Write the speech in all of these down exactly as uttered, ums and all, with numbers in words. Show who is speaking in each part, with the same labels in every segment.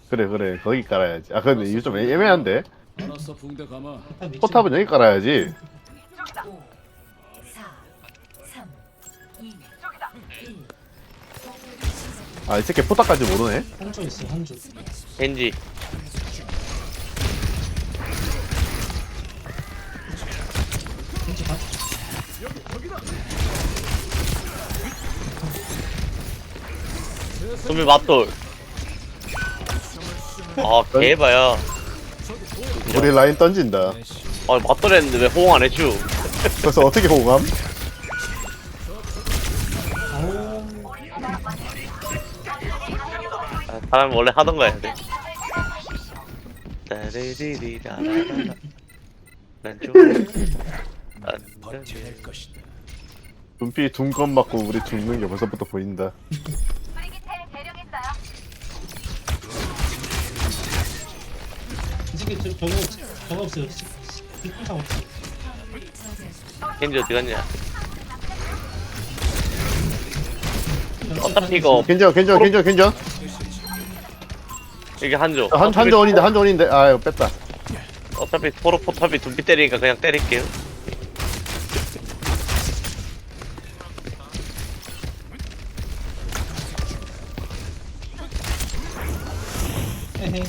Speaker 1: 그래 그래 거기 깔아야지. 아 근데 이거 좀 애- 애매한데.
Speaker 2: 알았어 붕대 감아.
Speaker 1: 포탑은 여기 깔아야지.
Speaker 3: 오, 사, 삼, 이, 일.
Speaker 1: 아 이 새끼 포탑까지 모르네.
Speaker 4: 한조 있어 한조.
Speaker 5: 겐지.
Speaker 4: 겐지 가.
Speaker 5: 소미 맞돌. 아 개봐야.
Speaker 1: 우리 라인 던진다.
Speaker 5: 아 맞돌 했는데 왜 호응 안 해줘?
Speaker 1: 그래서 어떻게 호감?
Speaker 4: 아우.
Speaker 5: 아, 사람 원래 하던 거 해야 돼. 따르리리라라라. 난 좀. 난
Speaker 2: 버텨낼 것이다.
Speaker 1: 눈빛 둔건 맞고 우리 죽는 게 벌써부터 보인다.
Speaker 4: 이 새끼 저, 저거 저거 없어요. 빅상 없어.
Speaker 5: 겐지 어디 갔냐?
Speaker 4: 전체
Speaker 5: 어차피
Speaker 4: 다
Speaker 5: 이거
Speaker 1: 괜찮아 괜찮아 괜찮아 괜찮아.
Speaker 5: 이게 한조.
Speaker 1: 한
Speaker 5: 어차피
Speaker 1: 한조원인데 한조원인데 아 이거 뺐다.
Speaker 5: 어차피 포로 포탑이 둠피 때리니까 그냥 때릴게요.
Speaker 4: 에헤이.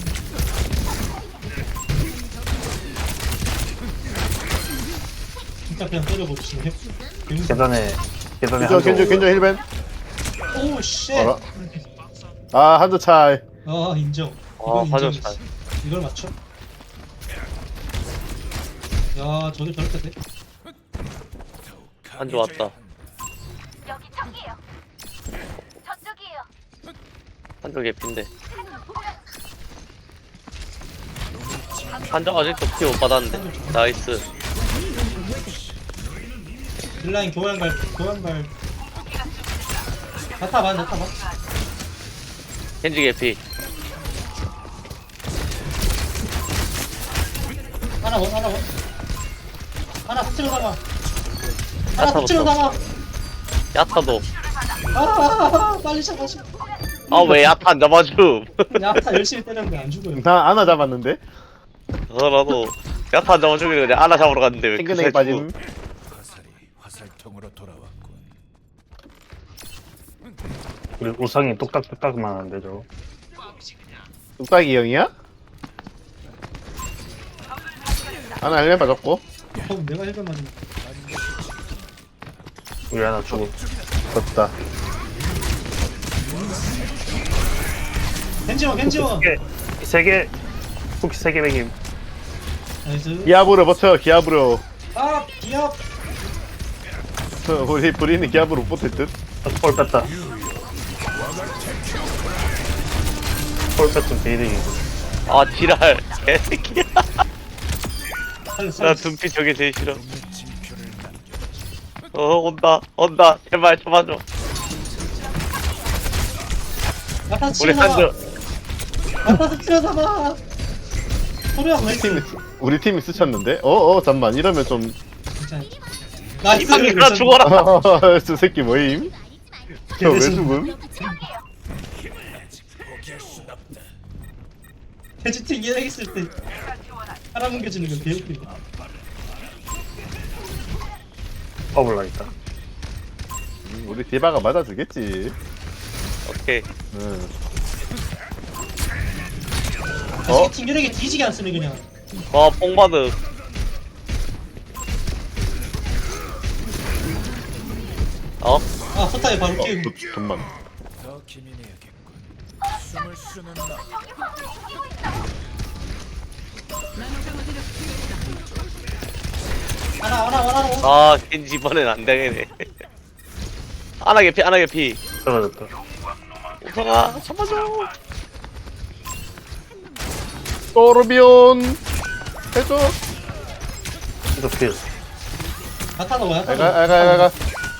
Speaker 4: 진짜 그냥 때려버리시네.
Speaker 6: 계단에 계단에
Speaker 1: 괜찮아 괜찮아 괜찮아 힐벤.
Speaker 4: 오 쉣.
Speaker 1: 어라. 아 한조 차이.
Speaker 4: 아 인정.
Speaker 5: 아,
Speaker 4: 이건
Speaker 5: 화장
Speaker 4: 인정이지.
Speaker 5: 잘.
Speaker 4: 이걸 맞춰? 야 저게 저렇게 돼?
Speaker 5: 한조 왔다.
Speaker 7: 여기 저기요. 저쪽이에요.
Speaker 5: 한조 개핀데. 한조 아직도 피 못 받았는데. 나이스.
Speaker 4: 딜라인 교환발 교환발. 나타봐 나타봐.
Speaker 5: 겐지 개피.
Speaker 4: 하나 원 하나 원. 하나 스치러 담아. 하나
Speaker 5: 야타부터.
Speaker 4: 스치러 담아.
Speaker 5: 야타도.
Speaker 4: 아, 아, 아 빨리 잡아줘.
Speaker 5: 아 왜 야타 안 잡아줌?
Speaker 4: 야타 열심히 때렸는데 안 죽어요.
Speaker 1: 나 하나 잡았는데.
Speaker 5: 저라도 야타 안 잡아주길래 그냥 아나 잡으러 갔는데 왜
Speaker 1: 탱근에게 빠짐.
Speaker 2: 화살이 화살통으로 돌아왔군.
Speaker 6: 우리 우상이 뚝딱뚝딱만 하는데 저거.
Speaker 1: 뚝딱이 형이야? 하나 힐벤 빠졌고.
Speaker 4: 어, 내가 헬멧 맞은.
Speaker 6: 우리 하나 죽어.
Speaker 1: 졌다.
Speaker 4: 겐지원 겐지원.
Speaker 6: 세개 쿠키 세개 먹임.
Speaker 4: 나이스.
Speaker 1: 기압으로 버텨 기압으로.
Speaker 4: 아 기압.
Speaker 1: 우리 브리는 기압으로 못 버틸 듯.
Speaker 6: 폴 뺐다. 폴 뺐으면 게이득이고.
Speaker 5: 아 지랄 개새끼야.
Speaker 4: 살렸어.
Speaker 5: 나 둠피 저게 제일 싫어. 어 온다 온다 제발 잡아줘.
Speaker 4: 나타
Speaker 5: 우리
Speaker 4: 치러
Speaker 5: 한조.
Speaker 4: 잡아. 나타 치러 잡아. 소리야 왜
Speaker 1: 팀이
Speaker 4: 이렇게?
Speaker 1: 쓰- 우리 팀이 스쳤는데? 어어 잠만 이러면 좀.
Speaker 4: 괜찮아. 나이스.
Speaker 5: 이방이나 죽어라.
Speaker 1: 저 새끼 뭐임? 저 왜 죽음?
Speaker 4: 돼지팅 얘기했을 때 사람 옮겨주는 건 개웃기네.
Speaker 6: 퍼블라 있다.
Speaker 1: 음, 우리 디바가 맞아주겠지.
Speaker 5: 오케이.
Speaker 1: 응. 어?
Speaker 4: 어? 튕겨내기 뒤지게 안 쓰네 그냥.
Speaker 5: 와 뽕바드. 어?
Speaker 4: 아 포타에 바로
Speaker 1: 어,
Speaker 4: 끼우고.
Speaker 1: 도- 돈만.
Speaker 2: 더 기민해야겠군. 숨을 쉬는 나.
Speaker 4: 하나 하나 하나 하나.
Speaker 5: 아 겐지 이번엔 안 되겠네. 아나 개피 아나 개피.
Speaker 6: 떨어졌다.
Speaker 5: 우성아 잡아줘.
Speaker 1: 또르비온 해줘.
Speaker 6: 이거 필.
Speaker 4: 나타 넣어 나타
Speaker 1: 알가
Speaker 4: 넣어.
Speaker 1: 알가 알가.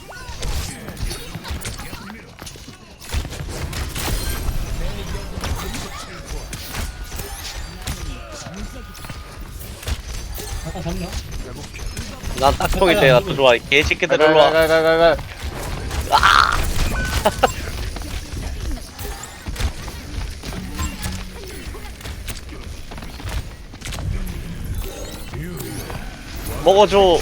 Speaker 4: 나타 잡나?
Speaker 5: 난 딱통일 때가 더 좋아. 개새끼들
Speaker 1: 알가
Speaker 5: 일로 와.
Speaker 1: 알가 알가 알가.
Speaker 5: 먹어줘.
Speaker 4: 어우.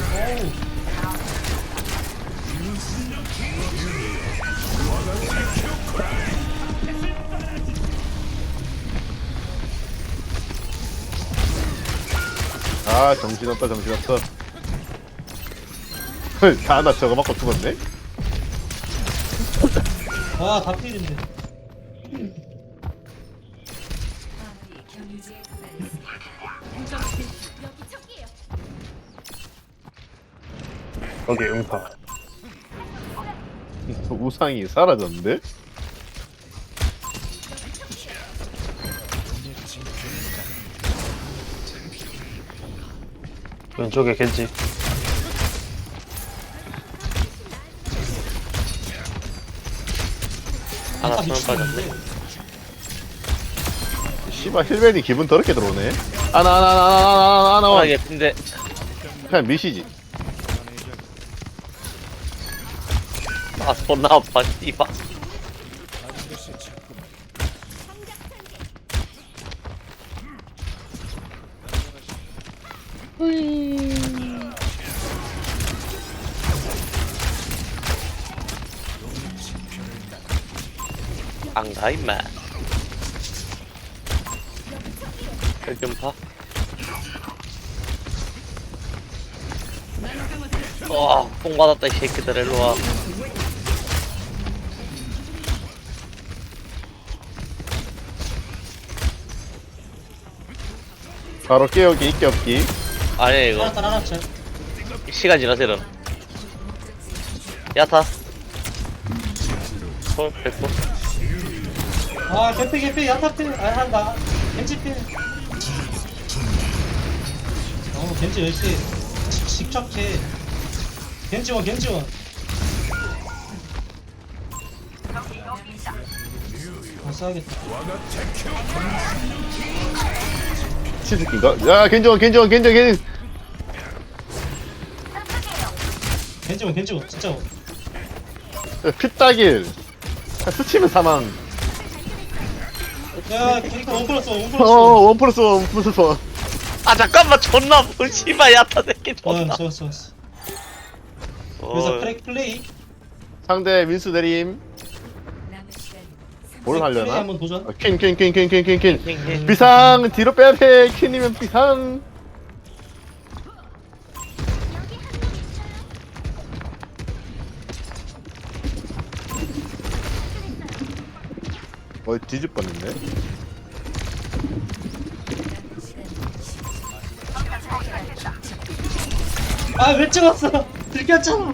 Speaker 1: 아 정신없다 정신없어. 다나 저거 맞고 죽었네.
Speaker 4: 와, 다 필인데.
Speaker 3: 아무리 경유지에 도달했습니다.
Speaker 7: 여기 저기예요.
Speaker 6: 거기 음파.
Speaker 1: 우상이 사라졌는데?
Speaker 6: 왼쪽에 겐지.
Speaker 5: 하나
Speaker 4: 다
Speaker 5: 수면 빠졌네.
Speaker 4: 미치겠는데.
Speaker 1: 씨발 힐벤이 기분 더럽게 들어오네. 아나 아나 아나 아나 아나 아나
Speaker 5: 하나
Speaker 1: 아나
Speaker 5: 개피인데.
Speaker 1: 그냥 미시지.
Speaker 5: 아 존나 아파 씨발.
Speaker 2: 반드시 찾구만.
Speaker 5: 안가 임마. 좀 봐. 와, 뽕 받았다 이 새끼들 일로 와.
Speaker 1: 바로 깨우기 있기 없기.
Speaker 5: 아니 이거
Speaker 4: 알았다, 알았죠.
Speaker 5: 시간 지나서 일어나. 야타. 헐 뺐고.
Speaker 4: 아, 개피, 개피, 야타 필. 아, 한다. 겐지 필. 어, 겐지 역시 직- 직접해. 겐지원, 겐지원. 아, 써야겠다.
Speaker 1: 치즈킨가? 야 겐지원 겐지원 겐지원 겐지.
Speaker 4: 겐지원, 겐지원. 진짜.
Speaker 1: 피따길. 스치면 사망.
Speaker 4: 야, 캐릭터 원 플러스 원, 원
Speaker 1: 어
Speaker 4: 플러스 원.
Speaker 1: 원 플러스 원 플러스 원.
Speaker 5: 아 잠깐만 존나 뭐 씨발 야타 새끼 존나.
Speaker 4: 어, 좋았어, 좋았어. 그래서
Speaker 5: 어,
Speaker 4: 플레이, 플레이.
Speaker 1: 상대 민수 내림.
Speaker 3: 남은 시간
Speaker 1: 뭘
Speaker 4: 플레이
Speaker 1: 하려나?
Speaker 4: 한번 도전.
Speaker 1: 퀸퀸퀸퀸퀸퀸퀸
Speaker 5: 킹킹.
Speaker 1: 비상 뒤로 빼야 돼. 퀸이면 비상. 어 뒤집 뻔했네.
Speaker 4: 아, 왜 찍었어? 들켰잖아.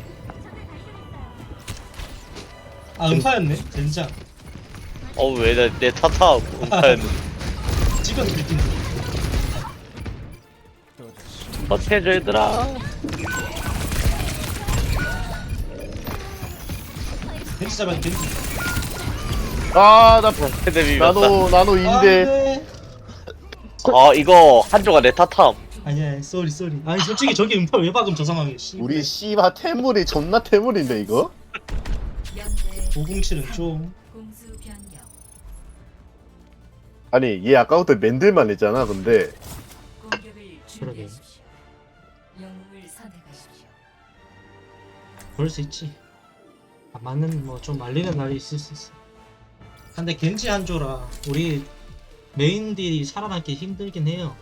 Speaker 4: 아, 음파였네. 진짜.
Speaker 5: 어왜내 타타 운파였는데.
Speaker 4: 찍어도 들킨다.
Speaker 5: 어떻게 해줘 얘들아.
Speaker 4: 겐지 잡아야 돼, 겐지.
Speaker 1: 아나
Speaker 5: 헤드 비볐다.
Speaker 1: 나노 나노
Speaker 4: 아,
Speaker 1: 인데.
Speaker 4: 네.
Speaker 5: 아 이거 한조가 내 타탐.
Speaker 4: 아니야, 쏘리, 쏘리. 아니, 솔직히 저기 음파 왜 박음 저 상황에, 씨.
Speaker 1: 우리 씨바 태물이 존나 태물인데 이거?
Speaker 3: 연대
Speaker 4: 오공칠은 좀.
Speaker 3: 공수 변경.
Speaker 1: 아니 얘 아까부터 맨들만 했잖아. 근데
Speaker 3: 공격을 준비하십시오. 영웅을 선택하십시오.
Speaker 4: 그럴 수 있지. 아, 맞는, 뭐, 좀 말리는 날이 있을 수 있어. 근데 겐지 한조라, 우리 메인 딜이 살아남기 힘들긴 해요.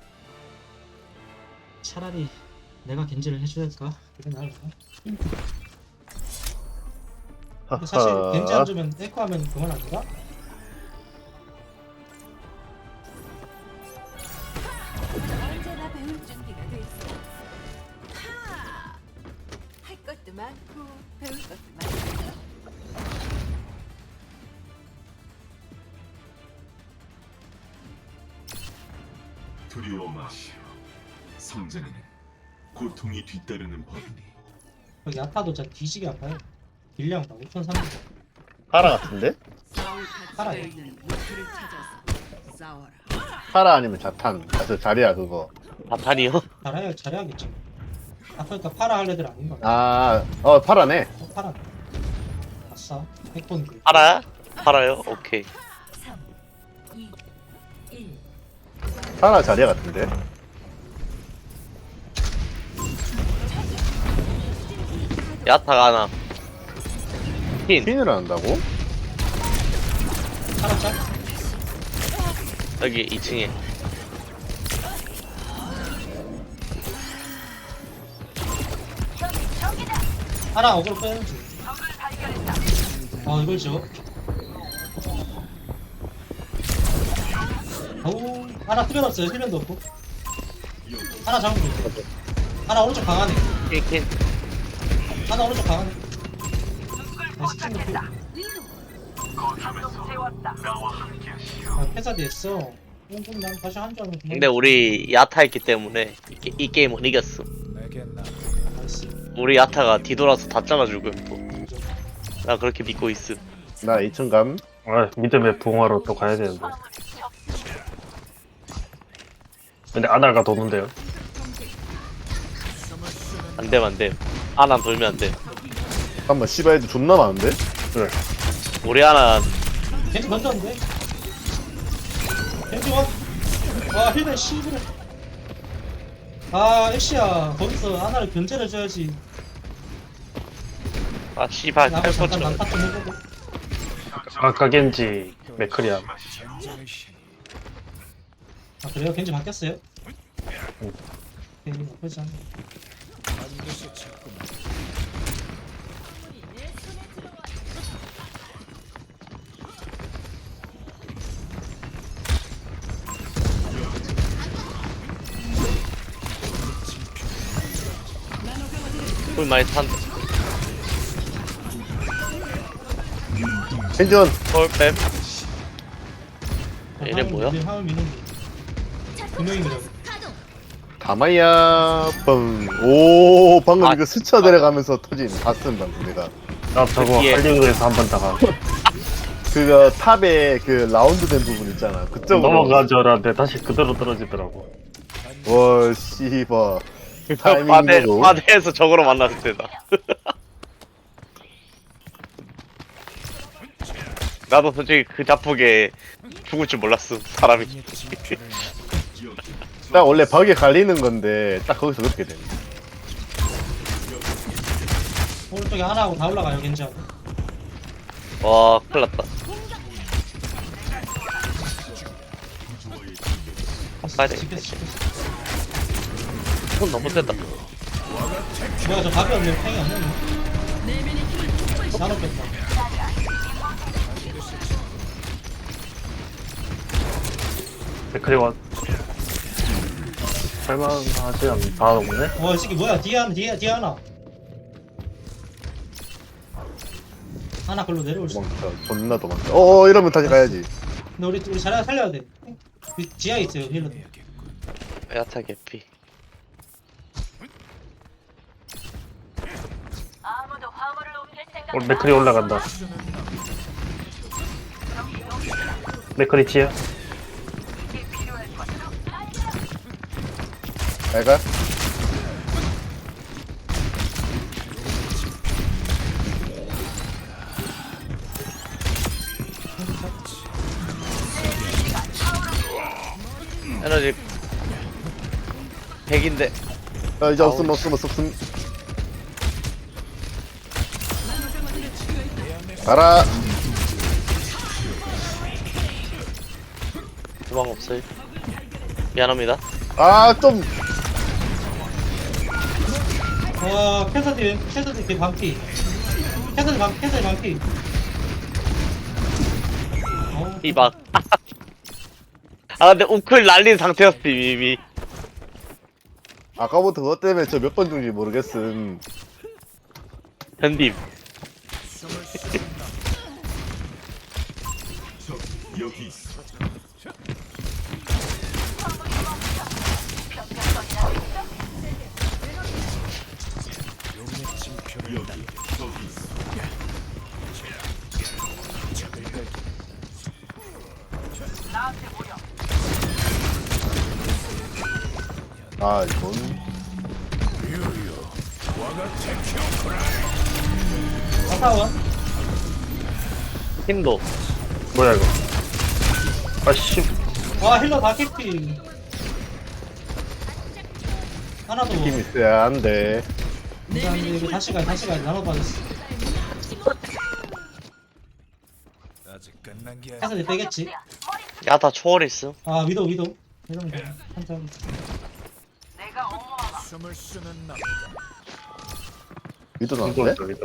Speaker 4: 차라리 내가 겐지를 해줘야 될까? 그래, 나을까? 근데 사실 겐지 한조면 에코 하면 그만 아닌가?
Speaker 7: 언제나 배울 준비가 돼 있어. 하! 할 것도 많고 배울 것도 많고.
Speaker 8: 두려워 마시오. 성장에는 고통이 뒤따르는 법이니.
Speaker 4: 여기 야타도 진짜 뒤지게 아파요. 딜량 다 오천삼백.
Speaker 1: 파라 같은데?
Speaker 4: 팔아요.
Speaker 1: 파라 아니면 자탄. 아, 저 자리야 그거.
Speaker 5: 자탄이요?
Speaker 4: 잘해야 잘해야겠죠. 아, 그러니까 파라 할 애들 아닌가 봐.
Speaker 1: 아어 파라네.
Speaker 4: 어, 파라. 아싸. 핵본드.
Speaker 5: 팔아요? 팔아요? 오케이.
Speaker 3: 삼, 이, 일.
Speaker 1: 파라 자리야 같은데?
Speaker 5: 야타가 하나. 흰
Speaker 1: 퀸을 한다고?
Speaker 4: 하나 짤?
Speaker 5: 여기 이 층에.
Speaker 4: 하나 어그로 빼는 중. 아 이걸 지워? 어우 하나 투변 없어요. 힐변도 없고. 하나 잡으면 돼. 하나 오른쪽 강하네.
Speaker 5: 흰
Speaker 4: 하나 오른쪽 강하네. 나이스 킹 높이. 아 패사디 했어. 뽕뽕 난 다시 한줄 알면 그만.
Speaker 5: 근데 우리 야타 있기 때문에 이, 게- 이 게임은 이겼음.
Speaker 2: 내게 나
Speaker 4: 나이스.
Speaker 5: 우리 야타가 뒤돌아서 다 잘라주고 또. 나 그렇게 믿고 있음.
Speaker 1: 나 이 층 감.
Speaker 6: 아 믿음의 부흥화로 또 가야 되는데. 근데 아나가 도는데요.
Speaker 5: 안 됨, 안 됨. 아나 돌면 안 돼.
Speaker 1: 잠깐만 씨발 애들 존나 많은데?
Speaker 6: 그래.
Speaker 5: 우리 아나
Speaker 4: 겐지 던졌는데? 겐지 원? 와 힐맨 씨부래. 아 엑시야 거기서 하나를 견제를 줘야지.
Speaker 5: 아 씨발
Speaker 4: 나도
Speaker 5: 탈포
Speaker 4: 잠깐
Speaker 5: 쳐.
Speaker 4: 난타 좀 해보고.
Speaker 6: 아까 겐지 맥크리야.
Speaker 2: 전쟁의 신
Speaker 4: 아 그래요? 겐지 바뀌었어요? 겐지 나쁘지 않네.
Speaker 2: 반드시 찾구나.
Speaker 5: 꿀 많이 탄.
Speaker 1: 켄지원
Speaker 5: 헐뱀. 얘네 뭐야?
Speaker 4: 화면 미는 두 명이 밀어.
Speaker 1: 다마이야 뻥. 오 방금
Speaker 5: 아,
Speaker 1: 이거 스쳐 내려가면서 터진 바스는 방금 내가
Speaker 6: 나 저거
Speaker 5: 예.
Speaker 6: 할리우드에서 한 번 다가
Speaker 1: 그거 탑에 그 라운드 된 부분 있잖아 그쪽으로
Speaker 6: 넘어간 줄 알았는데 다시 그대로 떨어지더라고.
Speaker 1: 와 씨발
Speaker 5: 바대
Speaker 1: 타이밍으로
Speaker 5: 바대에서 저거로 만났을 때다. 나도 솔직히 그 자폭에 죽을 줄 몰랐어 사람이.
Speaker 2: 이 징표를
Speaker 1: 딱 원래 벽에 갈리는 건데 딱 거기서 그렇게 되네.
Speaker 4: 오른쪽에 하나하고 다 올라가요 겐지하고.
Speaker 5: 와 큰일났다. 가야 돼.
Speaker 4: 지켰어 지켰어.
Speaker 5: 손 너무 셌다.
Speaker 4: 뭐야 저 답이 없네. 팽이 안 되네. 나눠 뺐다.
Speaker 6: 맥크리 원. 할만하지 않, 다 없네?
Speaker 4: 와이 새끼 뭐야 뒤에 하나 뒤에 뒤에 하나. 하나 글로 내려올 수.
Speaker 1: 도망쳐 존나 도망쳐. 어어 이러면 다시 가야지.
Speaker 4: 근데 우리 우리 자리가 살려야 돼. 그 지하에 있어요 힐러.
Speaker 5: 야타 개피.
Speaker 6: 오늘 맥크리 올라간다. 맥크리 치야?
Speaker 1: 내가
Speaker 5: 에너지 백인데.
Speaker 1: 아 이제 없음 없음 없음 없음. 가라.
Speaker 5: 도망 없어요. 미안합니다.
Speaker 1: 아 좀.
Speaker 4: 와 캔서디 캔서디 그 반피. 캔서디 반 캔서디 반피. 어,
Speaker 5: 이박. 아 근데 우클 날린 상태였어 이미.
Speaker 1: 아까부터 그것 때문에 저 몇 번 중인지 모르겠음.
Speaker 5: 현님.
Speaker 8: 적 여기 있어.
Speaker 2: 용의 징표를
Speaker 8: 여기 저기 있어.
Speaker 2: 적을 갈
Speaker 1: 아 이건
Speaker 4: 아까워.
Speaker 5: 흰도.
Speaker 6: 뭐야 이거? 아씨.
Speaker 4: 와 힐러 다 캐피. 하나 더.
Speaker 1: 힘 있어야 한데.
Speaker 4: 근데 안 돼, 이거 다시 가, 다시 가. 나눠 받았어.
Speaker 2: 아직 끝난 게 아니야.
Speaker 4: 해서 내 빼겠지.
Speaker 5: 야다 초월했어.
Speaker 4: 아, 위도, 위도. 이런 거. 한참.
Speaker 2: 숨을 쉬는 남자.
Speaker 1: 위도
Speaker 6: 위도
Speaker 1: 나왔네?
Speaker 6: 있어 위도.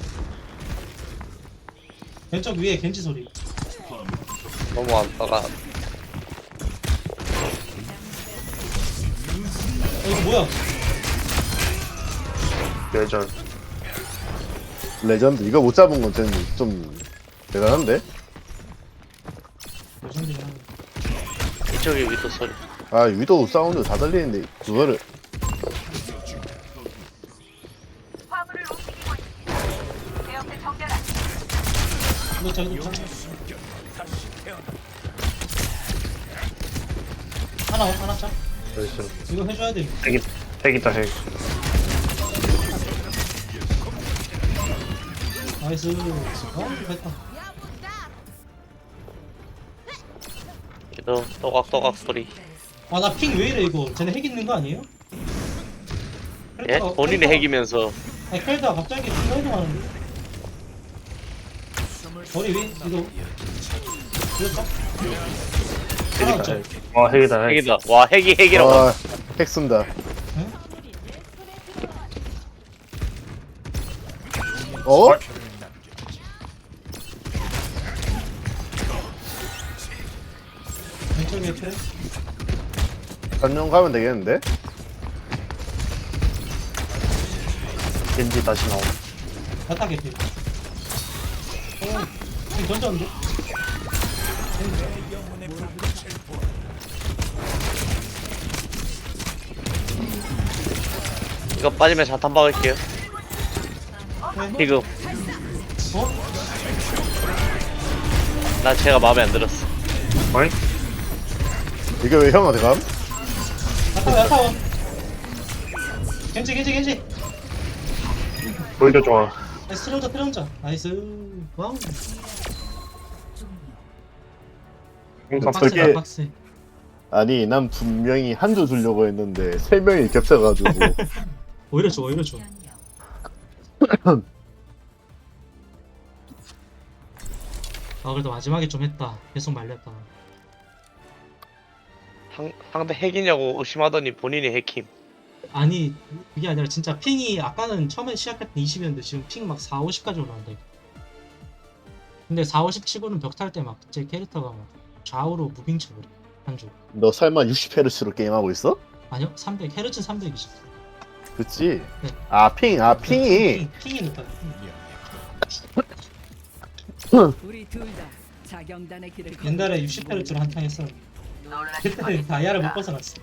Speaker 4: 왼쪽 위에 겐지 소리.
Speaker 5: 너무 안다가
Speaker 4: 어, 이거 뭐야?
Speaker 6: 예절.
Speaker 1: 레전드. 이거 못 잡은 건 좀, 좀 대단한데?
Speaker 4: 요즘들이 하는.
Speaker 5: 이쪽에 위도 소리.
Speaker 1: 아 위도 사운드 다 들리는데 그거를
Speaker 4: 이거 저, 이거 저. 하나, 하나 짜.
Speaker 6: 나이스.
Speaker 4: 이거 해줘야 돼.
Speaker 6: 핵이 핵이다 핵.
Speaker 4: 나이스. 어, 됐다.
Speaker 5: 위도 또각또각 소리.
Speaker 4: 아, 나 핑 왜 이래, 이거? 쟤네 핵 있는 거 아니에요?
Speaker 5: 예?
Speaker 4: 캐릭터가-
Speaker 5: 본인의
Speaker 4: 캐릭터가-
Speaker 5: 핵이면서
Speaker 4: 아니, 캐릭터가 갑자기 순간이동 하는데? 머리 위? 이거. 그렇죠? 하나
Speaker 6: 핵이다
Speaker 4: 없죠?
Speaker 6: 핵. 와 핵이다 핵.
Speaker 5: 핵이다. 와 핵이 핵이라고.
Speaker 1: 아, 핵 쓴다.
Speaker 4: 응?
Speaker 1: 어?
Speaker 4: 왼쪽에 트랙?
Speaker 1: 단용 가면 되겠는데?
Speaker 6: 겐지 다시 나옴.
Speaker 4: 바닥 개피. 어, 지금 던졌는데?
Speaker 5: 이거 빠지면 자탄 박을게요. 지금
Speaker 4: 어?
Speaker 5: 나 제가 마음에 안 들었어.
Speaker 6: 어이?
Speaker 1: 이게 왜 형한테 감?
Speaker 4: 야타워, 야타워. 겐지, 겐지, 겐지.
Speaker 6: 오히려 좋아.
Speaker 4: 나이스, 트레온자, 트레온자. 나이스. 와우.
Speaker 6: 항상
Speaker 1: 빡세.
Speaker 4: 빡세다, 빡세.
Speaker 1: 아니 난 분명히 한 줄 주려고 했는데 세 명이 겹쳐가지고
Speaker 4: 오히려 좋아, 오히려 좋아.
Speaker 3: 변경.
Speaker 4: 아, 그래도 마지막에 좀 했다. 계속 말렸다.
Speaker 5: 상, 상대 핵이냐고 의심하더니 본인이 핵임.
Speaker 4: 아니, 그게 아니라 진짜 핑이 아까는 처음에 시작할 때 이십이었는데 지금 핑 막 사, 오십까지 올라간다. 근데 사, 오십 치고는 벽 탈 때 막 제 캐릭터가 막 좌우로 무빙 쳐버려. 한쪽.
Speaker 1: 너 설마 육십 헤르츠로 게임하고 있어?
Speaker 4: 아니요, 삼백. 헤르츠 삼백이십.
Speaker 1: 그치?
Speaker 4: 네.
Speaker 1: 아 핑, 아 핑이
Speaker 4: 핑이 높아.
Speaker 7: 우리 둘 다 자경단의 길을
Speaker 4: 옛날에 육십 헤르츠로 한탕 했어. 그때는 다이아를 못 벗어났어.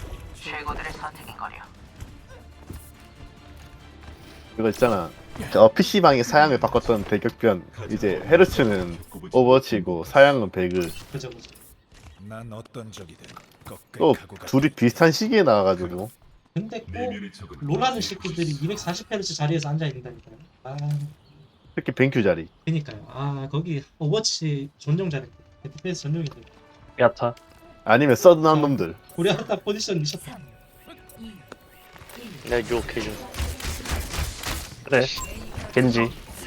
Speaker 1: 그거 있잖아. 어, 피씨방에 사양을 바꿨던 대격변. 이제 헤르츠는 오버워치고 사양은 배그.
Speaker 4: 그죠, 그죠.
Speaker 2: 난 어떤 적이든 꺾을
Speaker 1: 또
Speaker 2: 각오가
Speaker 1: 둘이 비슷한 시기에 나와가지고
Speaker 4: 근데 꼭
Speaker 8: 내면의 적은
Speaker 4: 롤하는 새끼들이 이백사십 헤르츠 자리에서 앉아 있는다니까요. 아,
Speaker 1: 특히 뱅큐 자리.
Speaker 4: 그니까요. 아, 거기 오버워치 전용 잘했대. 에프피에스 전용인데.
Speaker 6: 야타.
Speaker 1: 아니면 서든한 놈들.
Speaker 4: 우리 하다 포지션 미쳤다.
Speaker 3: 삼, 이, 일.
Speaker 5: 내가 유혹해줘.
Speaker 6: 그래. 겐지.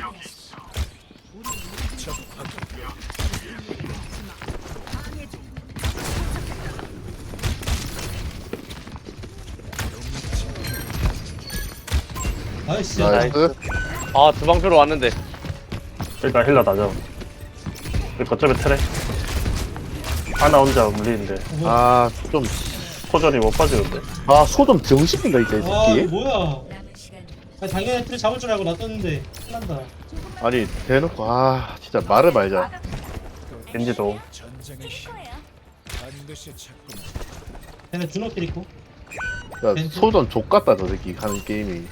Speaker 4: 나이스.
Speaker 1: 나이스.
Speaker 5: 아 두방표로 왔는데.
Speaker 6: 일단 힐러 나죠. 거점에 트레. 하나 혼자 물리는데
Speaker 4: 어,
Speaker 1: 아, 좀,
Speaker 6: 포전이 못 빠지는데.
Speaker 1: 아, 소 좀 정신인가, 이제, 이
Speaker 4: 와, 이거
Speaker 1: 새끼?
Speaker 4: 뭐야?
Speaker 3: 남은 시간
Speaker 4: 아니, 당연히 틀 잡을 줄 알고 놔뒀는데 큰난다.
Speaker 1: 아니, 대놓고, 아, 진짜 말을 말자.
Speaker 6: 겐지도.
Speaker 2: 전쟁의 힘 반드시 찾구만.
Speaker 4: 걔네 준호 캐릭터.
Speaker 1: 야, 소전 족같다, 저 새끼 하는 게임이.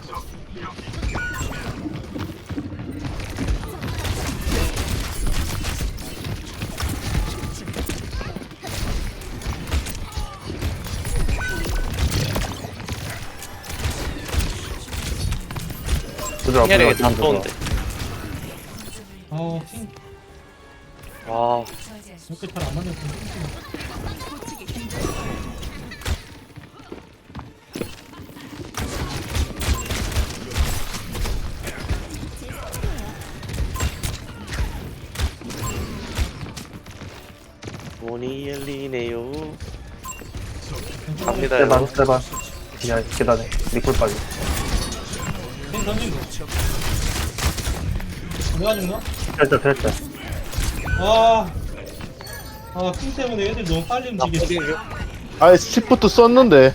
Speaker 6: 부드러워
Speaker 5: 혈액이 다
Speaker 6: 부드러워.
Speaker 5: 쏘는데.
Speaker 4: 아, 핑.
Speaker 5: 아
Speaker 3: 저지하십시오.
Speaker 4: 이렇게 잘안 맞는 핑.
Speaker 5: 문이 열리네요.
Speaker 4: 왼쪽
Speaker 5: 갑니다.
Speaker 6: 세반 세반. 야 계단에 리콜 빠지.
Speaker 4: 펜 던진 거. 내가 죽나?
Speaker 6: 됐다 됐다.
Speaker 4: 와. 아, 핑 때문에 애들 너무 빨리
Speaker 5: 나
Speaker 4: 움직여.
Speaker 5: 포딩 중.
Speaker 1: 아 시프트 썼는데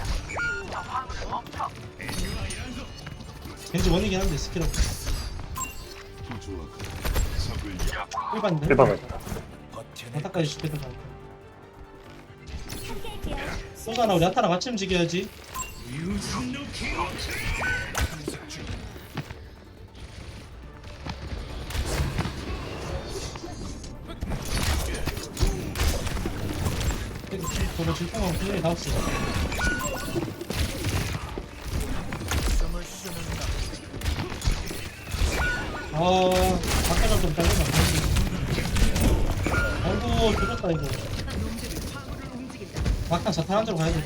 Speaker 4: 왠지 원이긴 한데 스킬 없어. 일반인데?
Speaker 6: 일반은.
Speaker 4: 아타까지 죽겠다. 소사나 우리 아타랑 같이 움직여야지. 저거 질풍하고 분명히 다 없어. 아, 아까 좀 잘리면 안 되지. 아이고, 죽었다, 이거. 막상 자탄 한 대로 가야 돼.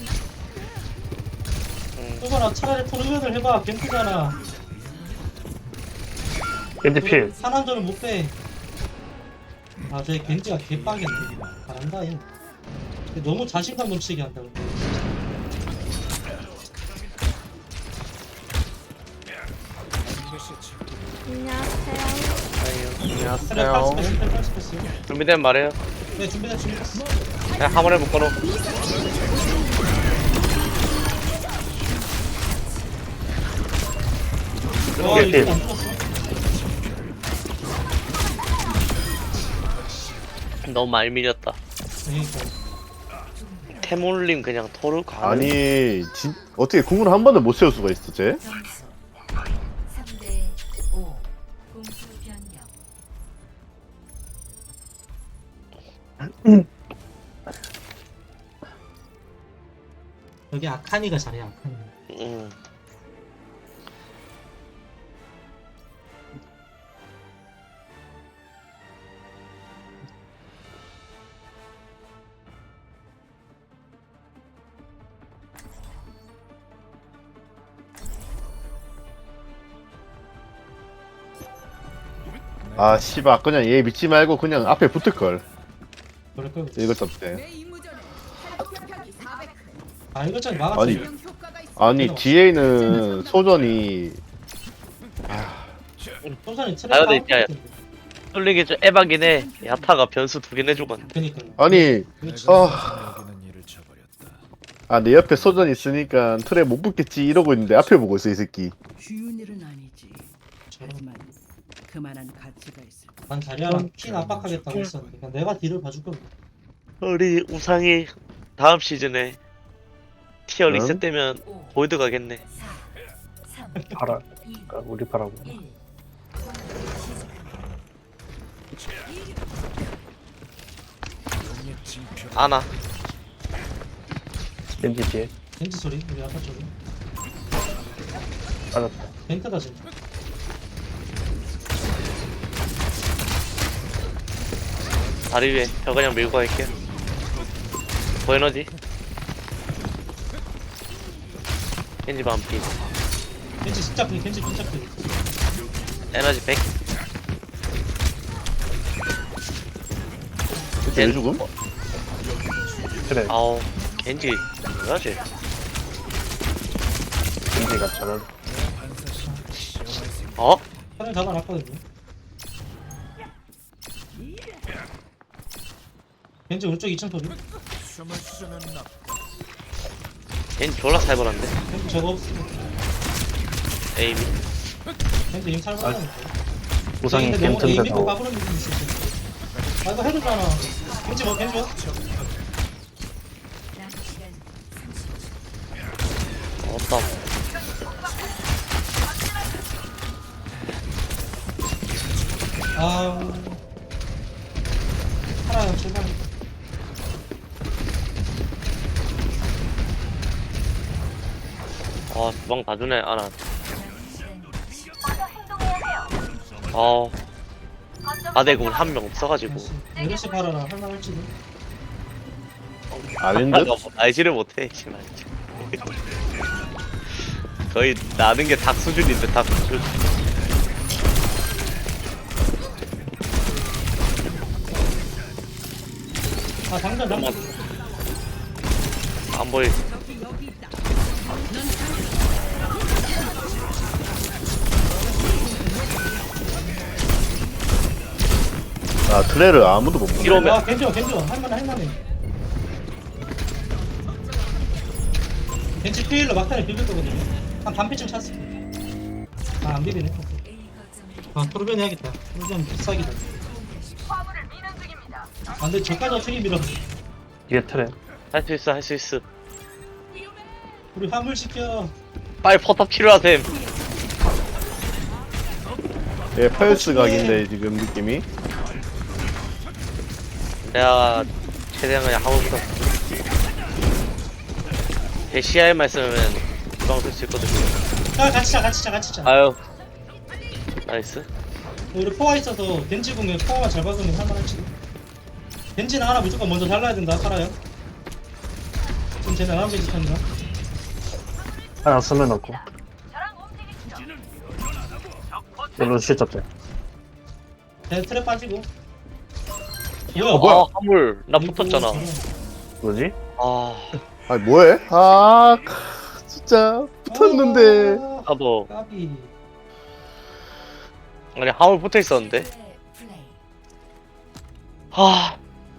Speaker 4: 소사나 차라리 토르면을 해봐. 겐트잖아.
Speaker 6: 겐지 필.
Speaker 4: 산한전은 못 빼. 아, 쟤 겐지가 개빡인데. 잘한다, 얘. 근데 너무 자신감 넘치게 한다, 근데.
Speaker 2: 반드시 찾고
Speaker 4: 트랩 팔스패스, 트랩 팔스패스.
Speaker 5: 준비되면 말해요.
Speaker 4: 네, 준비됐, 준비됐어.
Speaker 5: 그냥 한 번에 묶어놓.
Speaker 4: 와,
Speaker 6: 오케이.
Speaker 4: 이거 안 죽었어?
Speaker 5: 너무 많이 밀렸다.
Speaker 4: 그러니까.
Speaker 5: 태몰님 그냥 토르 가.
Speaker 1: 아니 진, 어떻게 궁을 한 번도 못 세울 수가 있어 쟤?
Speaker 3: 점수 삼 대 오. 공수 변경.
Speaker 4: 여기 아카니가 잘해, 아카니.
Speaker 5: 응.
Speaker 1: 아 씨발 그냥 얘 믿지 말고 그냥 앞에 붙을걸
Speaker 4: 그럴 걸.
Speaker 1: 이것 때문에.
Speaker 7: 내 임무전에 목표격이 사백 회.
Speaker 4: 아, 이거 좀 막았지.
Speaker 1: 아니
Speaker 7: 명 효과가 있어.
Speaker 1: 아니 뒤에는 소전이
Speaker 4: 소산이 트랩
Speaker 5: 나도
Speaker 4: 다운
Speaker 5: 있잖아요.
Speaker 4: 텐데.
Speaker 5: 뚫리기 좀 에바긴 해. 야타가 변수 두 개 내주건.
Speaker 4: 그니까.
Speaker 1: 아니
Speaker 4: 그렇지.
Speaker 1: 아,
Speaker 2: 여기는 일을 쳐버렸다.
Speaker 1: 아 내 옆에 소전 있으니까 틀에 못 붙겠지 이러고 있는데 앞에 보고 있어 이 새끼.
Speaker 7: 쉬운 일은 아니지.
Speaker 4: 저런.
Speaker 7: 하지만 그만한 가치가 있을 거야.
Speaker 4: 난 자리하랑 핀 압박하겠다고 했었는데. 그냥 내가 뒤를 봐줄 건데.
Speaker 5: 우리 우상이 다음 시즌에 티어
Speaker 1: 응?
Speaker 5: 리셋되면
Speaker 3: 오.
Speaker 5: 골드 가겠네.
Speaker 3: 사. 삼.
Speaker 6: 파라.
Speaker 3: 이.
Speaker 6: 그러니까 우리 파라고.
Speaker 3: 일.
Speaker 2: 용의 징표.
Speaker 5: 아나.
Speaker 6: 겐지 뒤에.
Speaker 4: 벤트 소리? 우리 아까 쪽에.
Speaker 6: 빠졌다.
Speaker 4: 벤트다, 진짜.
Speaker 5: 다리 위에 저 그냥 밀고 갈게요. 보에너지. 겐지 반피.
Speaker 4: 벤트 진짜 큰, 벤트 진짜 큰.
Speaker 5: 에너지 백.
Speaker 1: 왜 죽음?
Speaker 6: 그래.
Speaker 5: 아우 겐지 뭐야지?
Speaker 6: 겐지가 잘한.
Speaker 5: 어?
Speaker 4: 사람이 잡아놨거든요. 벤트 오른쪽 이 층 소리.
Speaker 2: 숨을 쉬는 나.
Speaker 5: 겐지 졸라 살벌한데.
Speaker 4: 벤트 저거 없어.
Speaker 5: 에이미.
Speaker 4: 벤트 이미 살벌하니까.
Speaker 6: 우상이
Speaker 4: 근데 너무
Speaker 6: 겐트인데
Speaker 4: 에이미고
Speaker 6: 더.
Speaker 4: 까부는 느낌이 있어. 아, 이거 해줬잖아. 벤트 뭐, 벤트 뭐?
Speaker 3: 남은 시간 삼십 초.
Speaker 5: 없다.
Speaker 4: 아우. 하나, 제발.
Speaker 5: 아 주방 다 주네 아나.
Speaker 3: 남은 시간
Speaker 5: 어. 아대군 한 명 없어가지고.
Speaker 4: 여덟 시 팔아라. 할만할지도.
Speaker 1: 아닌
Speaker 5: 아,
Speaker 1: 듯?
Speaker 5: 너 알지를 못해 씨발. 거의 나는 게 닭 수준인데 닭 수준.
Speaker 4: 아 당장 잠깐.
Speaker 5: 안 보이.
Speaker 1: 아 트레를 아무도 못 보네.
Speaker 5: 이러면
Speaker 4: 아 괜찮아 괜찮아 할만해 할만해. 벤치 피일로 막타를 비빌 거거든요. 한 반피쯤 찼어. 아안 비비네.
Speaker 3: A 거점을
Speaker 4: 아 토르변 해야겠다. 토르변 비싸기다. 아 근데 저까지 어떻게 밀어?
Speaker 6: 뒤에 트랩.
Speaker 5: 할 수 있어 할 수 있어.
Speaker 4: 우리 화물 시켜.
Speaker 5: 빨리 포탑 치료하셈.
Speaker 1: 예, 펄스 각인데 지금 느낌이.
Speaker 5: 내가 최대한 그냥 하고 싶어. 제 씨아이만 쓰면 주방 쓸 수 있거든요.
Speaker 4: 아 같이 자 같이 자 같이 자.
Speaker 5: 아유 나이스.
Speaker 4: 우리 포화 있어서 벤지 공에 포화만 잘 박으면 할만할지. 벤지는 하나 무조건 먼저 잘라야 된다. 살아요. 지금 쟤네 나랑 벤지 탄다.
Speaker 6: 하나 쓰면 없고. 별로 실잡자.
Speaker 4: 쟤 트랩 빠지고.
Speaker 5: 어, 뭐야? 아, 화물 나 붙었잖아.
Speaker 6: 뭐지?
Speaker 5: 아
Speaker 1: 아 뭐해? 아 크, 진짜 붙었는데.
Speaker 4: 아,
Speaker 5: 나도
Speaker 4: 까비.
Speaker 5: 아니 화물 붙어 있었는데.
Speaker 3: 플레이.
Speaker 5: 아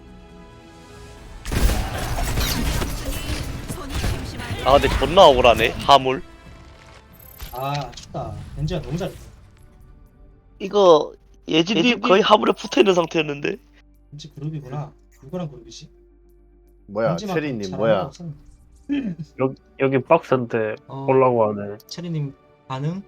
Speaker 5: 아 근데 존나 억울하네 화물.
Speaker 4: 아 춥다. 벤지가 너무 잘해.
Speaker 5: 이거 예진님 거의 화물에 붙어 있는 상태였는데.
Speaker 4: 벤지 그룹이구나. 누구랑 그룹이지?
Speaker 1: 뭐야
Speaker 4: 벤지만큼
Speaker 1: 체리님
Speaker 4: 잘하는
Speaker 1: 뭐야?
Speaker 4: 애가 없었네.
Speaker 6: 여기, 여기 박스인데
Speaker 4: 어,
Speaker 6: 올라고 하네.
Speaker 4: 체리님 반응?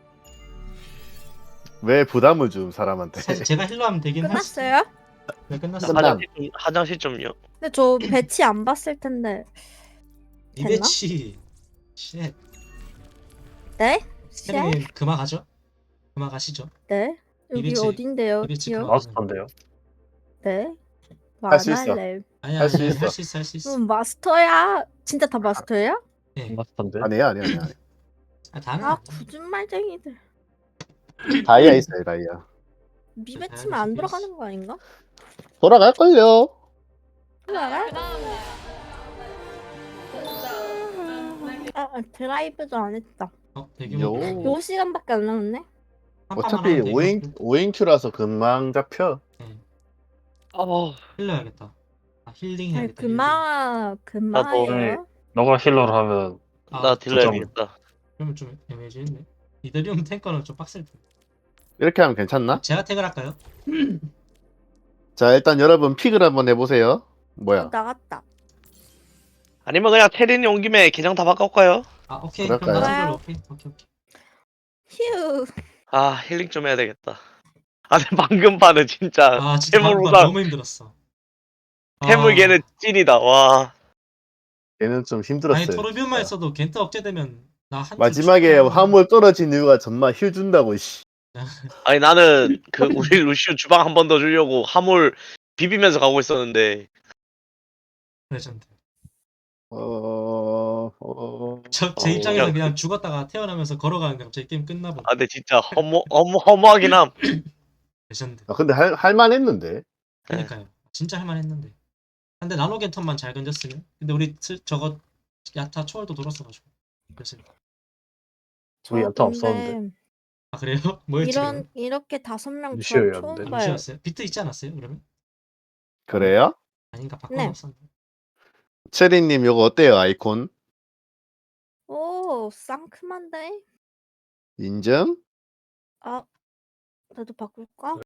Speaker 1: 왜 부담을 줌 사람한테?
Speaker 4: 사실 제가 힐러하면 되긴 할 수.
Speaker 9: 끝났어요?
Speaker 4: 네 끝났어.
Speaker 1: 끝났-
Speaker 5: 화장실 좀 화장실 좀요.
Speaker 9: 근데 저 배치 안 봤을 텐데. 됐나?
Speaker 4: 이배치. 쉣.
Speaker 9: 네? 씨?
Speaker 4: 체리님 그만 가죠. 그만 가시죠.
Speaker 9: 네? 여기
Speaker 4: 이배치-
Speaker 9: 어딘데요?
Speaker 4: 이배치
Speaker 9: 기억?
Speaker 4: 그만.
Speaker 6: 마스터인데요.
Speaker 9: 네?
Speaker 1: 할수
Speaker 9: 안
Speaker 1: 있어.
Speaker 9: 할래.
Speaker 4: 아니
Speaker 1: 할수
Speaker 4: 아니
Speaker 1: 있어.
Speaker 4: 할 수 있어 할 수 있어.
Speaker 9: 음, 마스터야? 진짜 다 마스터예요?
Speaker 4: 예.
Speaker 6: 마스터인데.
Speaker 1: 아니야 아니야 아니야.
Speaker 4: 아 다는
Speaker 9: 아,
Speaker 4: 아,
Speaker 9: 거짓말쟁이들.
Speaker 1: 다이아 있어요 다이아.
Speaker 9: 미배치면 안 돌아가는 거 아닌가?
Speaker 1: 돌아갈걸요.
Speaker 9: 돌아가? 아, 아, 드라이브도 안 했다.
Speaker 4: 어 대규모.
Speaker 1: 요.
Speaker 9: 요 시간밖에 안 남았네?
Speaker 4: 한 판만
Speaker 1: 어차피
Speaker 4: 하면 되고.
Speaker 1: 오행 오행큐라서 금방 잡혀.
Speaker 4: 예.
Speaker 5: 아
Speaker 4: 힐러 해야겠다. 아 힐링
Speaker 9: 아니,
Speaker 4: 해야겠다.
Speaker 9: 그마, 그마예요?
Speaker 6: 너가 힐러를 하면
Speaker 4: 아,
Speaker 5: 나 딜러 해야겠다.
Speaker 4: 그러면 좀 애매해지겠네. 이더리움 탱커는 좀 빡셀 텐데.
Speaker 1: 이렇게 하면 괜찮나?
Speaker 4: 제가 택을 할까요?
Speaker 1: 자 일단 여러분 픽을 한번 해보세요.
Speaker 9: 어,
Speaker 1: 뭐야?
Speaker 9: 나갔다.
Speaker 5: 아니면 그냥 테린이 온 김에 계정 다 바꿔올까요?
Speaker 4: 아 오케이.
Speaker 1: 그럴까요?
Speaker 4: 그럼 나 생각로 오케이 오케이 오케이.
Speaker 9: 휴.
Speaker 5: 아 힐링 좀 해야 되겠다. 아 근데 방금 판은 진짜
Speaker 4: 아 진짜 방금
Speaker 5: 태물보다
Speaker 4: 너무 힘들었어.
Speaker 5: 태물
Speaker 4: 아,
Speaker 5: 걔는 찐이다. 와
Speaker 1: 얘는 좀
Speaker 4: 아니
Speaker 1: 힘들었어요.
Speaker 4: 토르비움만 했어도 겐트 억제되면 나한
Speaker 1: 마지막에 화물 떨어진 이유가 정말 힐 준다고 씨.
Speaker 5: 아니 나는 그 우리 루시우 주방 한 번 더 주려고 화물 비비면서 가고 있었는데
Speaker 4: 레전드.
Speaker 1: 어... 어...
Speaker 4: 저 제
Speaker 1: 어.
Speaker 4: 입장에서 그냥 죽었다가 태어나면서 걸어가는데 갑자기 게임 끝나버려.
Speaker 5: 아 근데 진짜 허무 허무 허무하긴 함.
Speaker 4: 레전드.
Speaker 1: 아 근데 할 할만했는데.
Speaker 4: 그러니까요. 진짜 할만했는데. 근데 나노 겐턴만 잘 건졌으면. 근데 우리 스- 저거 야타 초월도 돌았어가지고. 그래서
Speaker 6: 우리 야타
Speaker 9: 저
Speaker 6: 없었는데.
Speaker 9: 근데
Speaker 4: 아 그래요? 뭐였지?
Speaker 9: 이런, 이렇게 다섯 명
Speaker 6: 루시오였는데.
Speaker 9: 처음
Speaker 4: 그러면?
Speaker 9: 봐요.
Speaker 4: 루시였어요? 비트 있지 않았어요? 그러면?
Speaker 1: 그래요?
Speaker 4: 아닌가
Speaker 9: 네.
Speaker 4: 바꿔놨었는데.
Speaker 1: 체리님 요거 어때요 아이콘?
Speaker 9: 오, 상큼한데?
Speaker 1: 인증?
Speaker 9: 아, 나도 바꿀까?